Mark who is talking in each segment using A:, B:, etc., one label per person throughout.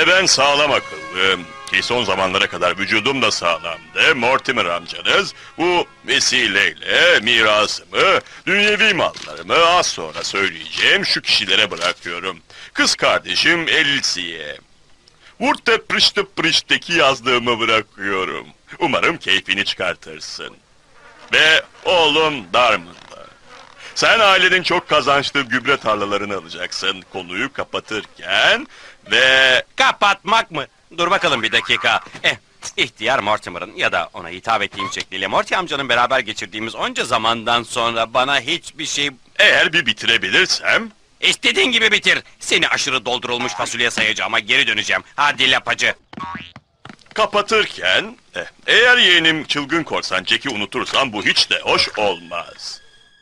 A: Ve ben sağlam akıllım. Ki son zamanlara kadar vücudum da sağlamdı. Mortimer amcanız bu vesileyle mirasımı, dünyevi mallarımı az sonra söyleyeceğim şu kişilere bırakıyorum. Kız kardeşim Elsie'ye. Vurte prişte prişteki yazdığımı bırakıyorum. Umarım keyfini çıkartırsın. Ve oğlum Darman'la. Sen ailenin çok kazançlı gübre tarlalarını alacaksın konuyu kapatırken ve...
B: Kapatmak mı? Dur bakalım bir dakika. İhtiyar Mortimer'ın ya da ona hitap ettiğim şekliyle Morty amcanın beraber geçirdiğimiz onca zamandan sonra bana hiçbir şey...
A: Eğer bir bitirebilirsem...
B: İstediğin gibi bitir. Seni aşırı doldurulmuş fasulye sayacağıma geri döneceğim. Hadi lapacı.
A: Kapatırken... eğer yeğenim çılgın korsan Jack'i unutursam bu hiç de hoş olmaz.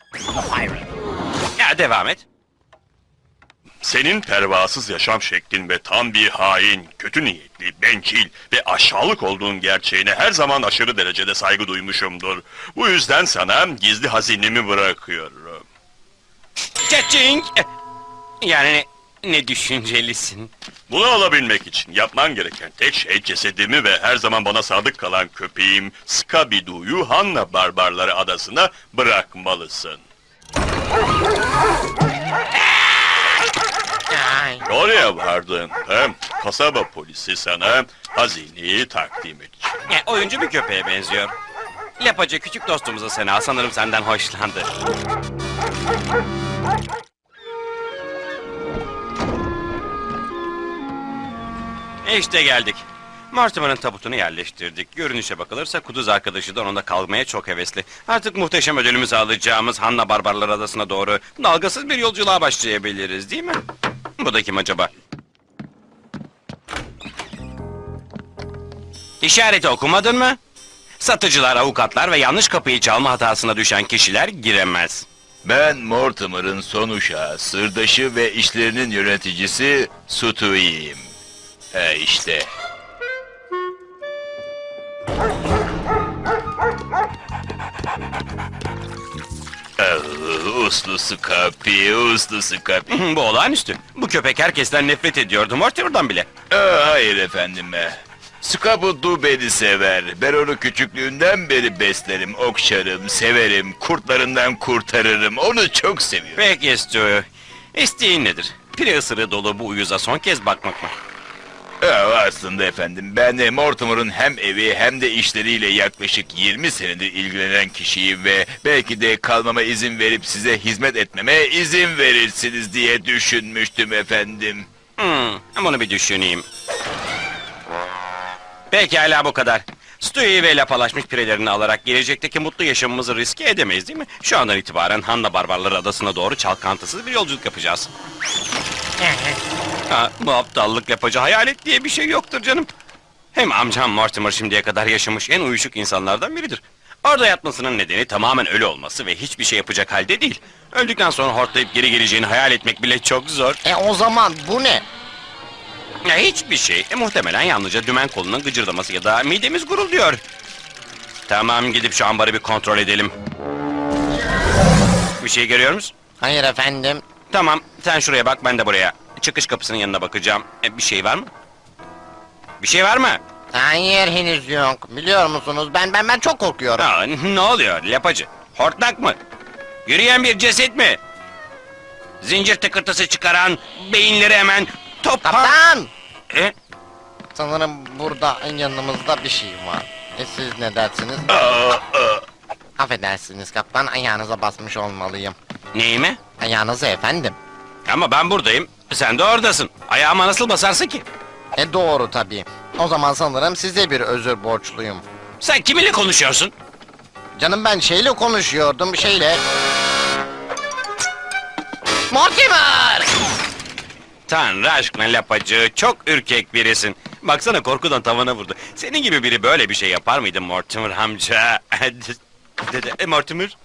B: Ya devam et.
A: Senin pervasız yaşam şeklin ve tam bir hain, kötü niyetli, bencil ve aşağılık olduğun gerçeğine her zaman aşırı derecede saygı duymuşumdur. Bu yüzden sana gizli hazinemi bırakıyorum.
B: Çeçing! Yani ne düşüncelisin?
A: Bunu alabilmek için yapman gereken tek şey cesedimi ve her zaman bana sadık kalan köpeğim Scooby-Doo'yu Hanna Barbarları adasına bırakmalısın. Oraya vardığında kasaba polisi sana hazineyi takdim edecek.
B: Oyuncu bir köpeğe benziyor. Lapacı küçük dostumuza Sena sanırım senden hoşlandı. İşte geldik. Mortimer'ın tabutunu yerleştirdik. Görünüşe bakılırsa kuduz arkadaşı da onunla kalmaya çok hevesli. Artık muhteşem ödülümüzü alacağımız Hanna Barbarlar Adası'na doğru dalgasız bir yolculuğa başlayabiliriz, değil mi? Bu da kim acaba? İşareti okumadın mı? Satıcılar, avukatlar ve yanlış kapıyı çalma hatasına düşen kişiler giremez.
C: Ben Mortimer'ın son uşağı, sırdaşı ve işlerinin yöneticisi Stewie'yim. İşte. Uslu Scooby, uslu Scooby.
B: Bu olağanüstü. Bu köpek herkesten nefret ediyordu, Mortimer'dan bile.
C: Hayır efendim. Scooby-Doo beni sever. Ben onu küçüklüğünden beri beslerim, okşarım, severim, kurtlarından kurtarırım. Onu çok seviyorum.
B: Peki Stu, isteğin nedir? Pire ısırığı dolu bu uyuza son kez bakmak mı?
C: Aslında efendim, ben Mortimer'ın hem evi hem de işleriyle yaklaşık 20 senedir ilgilenen kişiyim ve belki de kalmama izin verip size hizmet etmeme izin verirsiniz diye düşünmüştüm efendim.
B: Bunu bir düşüneyim. Pekala bu kadar. Stu'yu ve lapalaşmış pirelerini alarak gelecekteki mutlu yaşamımızı riske edemeyiz değil mi? Şu andan itibaren Hanna Barbarları Adası'na doğru çalkantısız bir yolculuk yapacağız. Bu aptallık yapıcı hayalet diye bir şey yoktur canım. Hem amcam Mortimer şimdiye kadar yaşamış en uyuşuk insanlardan biridir. Orada yatmasının nedeni tamamen ölü olması ve hiçbir şey yapacak halde değil. Öldükten sonra hortlayıp geri geleceğini hayal etmek bile çok zor.
D: O zaman bu ne?
B: Hiçbir şey. Muhtemelen yalnızca dümen kolunun gıcırdaması ya da midemiz gurulduyor. Tamam, gidip şu ambarı bir kontrol edelim. Bir şey görüyor musun?
D: Hayır efendim.
B: Tamam, sen şuraya bak, ben de buraya. Çıkış kapısının yanına bakacağım. Bir şey var mı? Bir şey var mı?
D: Hayır henüz yok. Biliyor musunuz ben çok korkuyorum.
B: Ne oluyor lapacı? Hortlak mı? Yürüyen bir ceset mi? Zincir tıkırtısı çıkaran beyinleri hemen topar...
D: Kaptan!
B: E?
D: Sanırım burada yanımızda bir şey var. Siz ne dersiniz? Affedersiniz kaptan, ayağınıza basmış olmalıyım.
B: Neyime?
D: Ayağınıza efendim.
B: Ama ben buradayım, sen de oradasın. Ayağıma nasıl basarsın ki?
D: Doğru tabii. O zaman sanırım size bir özür borçluyum.
B: Sen kiminle konuşuyorsun?
D: Canım ben şeyle konuşuyordum, şeyle... Mortimer!
B: Tanrı aşkına lapacı, çok ürkek birisin. Baksana, korkudan tavana vurdu. Senin gibi biri böyle bir şey yapar mıydı Mortimer amca? Mortimer?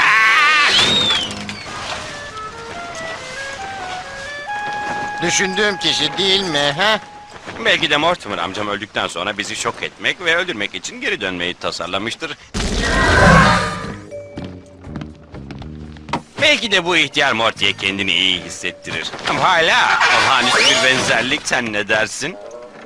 D: Düşündüğüm kişi değil mi, he?
B: Belki de Mortimer amcam öldükten sonra bizi şok etmek ve öldürmek için geri dönmeyi tasarlamıştır. Belki de bu ihtiyar Morty'ye kendini iyi hissettirir. Ama hala olağanüstü bir benzerlik, sen ne dersin?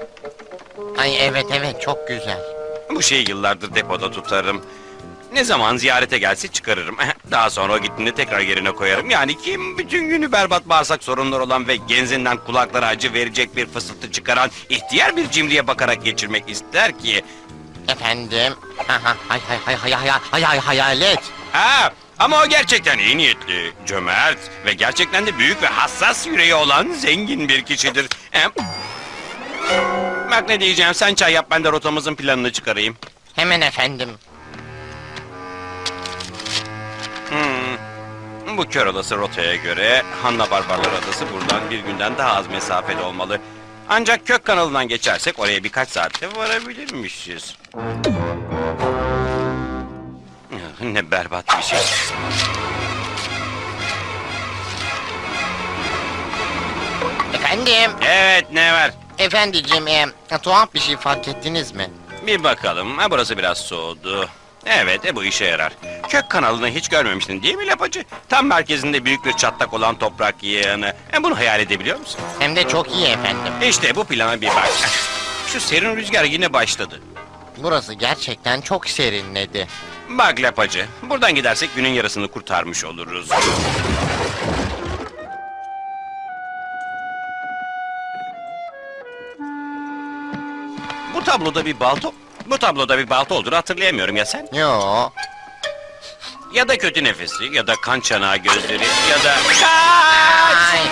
D: Ay evet evet çok güzel.
B: Bu şeyi yıllardır depoda tutarım. Ne zaman ziyarete gelse çıkarırım. Daha sonra o gittiğinde tekrar yerine koyarım. Yani kim bütün günü berbat bağırsak sorunları olan ve genzinden kulaklara acı verecek bir fısıltı çıkaran ihtiyar bir cimriye bakarak geçirmek ister ki?
D: Efendim. Hayalet.
B: Ha, ama o gerçekten iyi niyetli, cömert ve gerçekten de büyük ve hassas yüreği olan zengin bir kişidir. Bak ne diyeceğim, sen çay yap, ben de rotamızın planını çıkarayım.
D: Hemen efendim.
B: Bu kör adası rotaya göre Hanna Barbarlar Adası buradan bir günden daha az mesafede olmalı. Ancak kök kanalından geçersek oraya birkaç saatte varabilirmişiz. Ne berbat bir şey.
D: Efendim.
B: Evet, ne var?
D: Efendiciğim tuhaf bir şey fark ettiniz mi?
B: Bir bakalım. Ha, burası biraz soğudu. Evet, bu işe yarar. Kök kanalını hiç görmemiştin değil mi Lapacı? Tam merkezinde büyük bir çatlak olan toprak yığını. Bunu hayal edebiliyor musun?
D: Hem de çok iyi efendim.
B: İşte bu plana bir bak. Şu serin rüzgar yine başladı.
D: Burası gerçekten çok serinledi.
B: Bak Lapacı, buradan gidersek günün yarısını kurtarmış oluruz. Bu tabloda bir balta olduğunu hatırlayamıyorum ya sen?
D: Yo.
B: Ya da kötü nefesi, ya da kan çanağı gözleri, ya da...
D: Ay.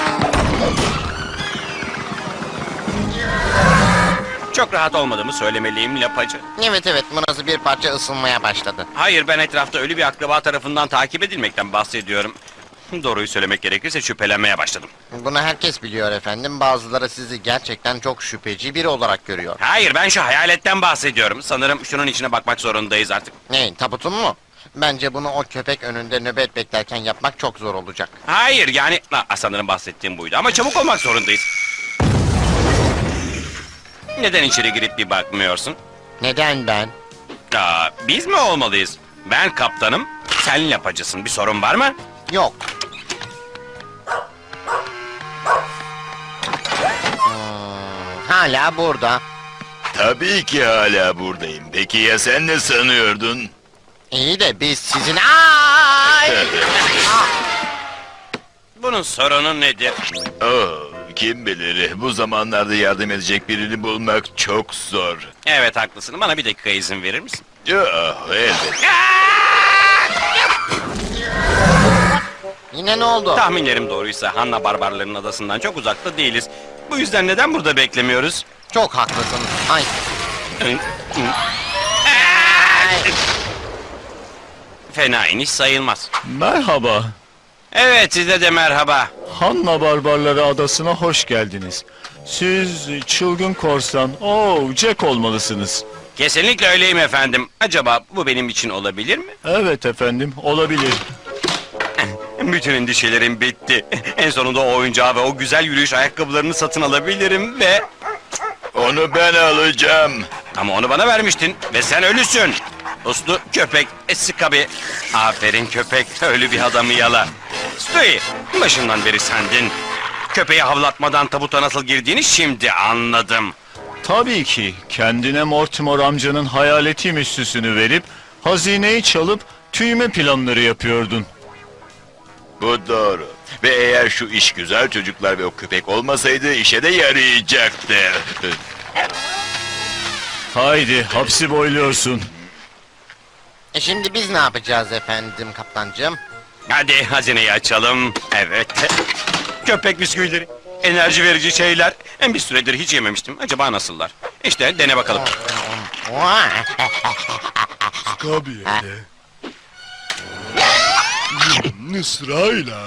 B: Çok rahat olmadığımı söylemeliyim Lapacı.
D: Evet evet burası bir parça ısınmaya başladı.
B: Hayır, ben etrafta ölü bir akraba tarafından takip edilmekten bahsediyorum. Doğruyu söylemek gerekirse şüphelenmeye başladım.
D: Bunu herkes biliyor efendim. Bazıları sizi gerçekten çok şüpheci biri olarak görüyor.
B: Hayır, ben şu hayaletten bahsediyorum. Sanırım şunun içine bakmak zorundayız artık.
D: Ne tabutun mu? Bence bunu o köpek önünde nöbet beklerken yapmak çok zor olacak.
B: Hayır, yani... sanırım bahsettiğim buydu ama çabuk olmak zorundayız. Neden içeri girip bir bakmıyorsun?
D: Neden ben?
B: Biz mi olmalıyız? Ben kaptanım, sen Lapacısın. Bir sorun var mı?
D: Yok. Hala burada.
C: Tabii ki hala buradayım. Peki ya sen ne sanıyordun?
D: İyi de biz sizin... Ay!
B: Bunun sorunu nedir?
C: Oh, kim bilir, bu zamanlarda yardım edecek birini bulmak çok zor.
B: Evet, haklısın. Bana bir dakika izin verir misin?
C: Elbette.
D: Yine ne oldu?
B: Tahminlerim doğruysa Hanna Barbarların adasından çok uzakta değiliz. Bu yüzden neden burada beklemiyoruz?
D: Çok haklısın. Ay.
B: Fena iniş sayılmaz.
E: Merhaba.
B: Evet, size de merhaba.
E: Hanna Barbarları Adası'na hoş geldiniz. Siz çılgın korsan, Jack olmalısınız.
B: Kesinlikle öyleyim efendim. Acaba bu benim için olabilir mi?
E: Evet efendim, olabilir.
B: Bütün endişelerim bitti. En sonunda o oyuncağı ve o güzel yürüyüş ayakkabılarını satın alabilirim ve...
C: Onu ben alacağım.
B: Ama onu bana vermiştin ve sen ölüsün. Uslu köpek, Skabi. Aferin köpek, ölü bir adamı yala. Stewie, başından beri sendin. Köpeği havlatmadan tabuta nasıl girdiğini şimdi anladım.
E: Tabii ki, kendine Mortimer amcanın hayaleti müstüsünü verip... ...hazineyi çalıp tüyme planları yapıyordun.
C: Bu doğru. Ve eğer şu iş güzel çocuklar ve o köpek olmasaydı işe de yarayacaktı.
E: Haydi, hapsi boyluyorsun.
D: Şimdi biz ne yapacağız efendim kaptancığım?
B: Hadi hazineyi açalım. Evet. Köpek bisküvileri. Enerji verici şeyler. Bir süredir hiç yememiştim. Acaba nasıllar? İşte dene bakalım.
F: Tabii. Sırayla.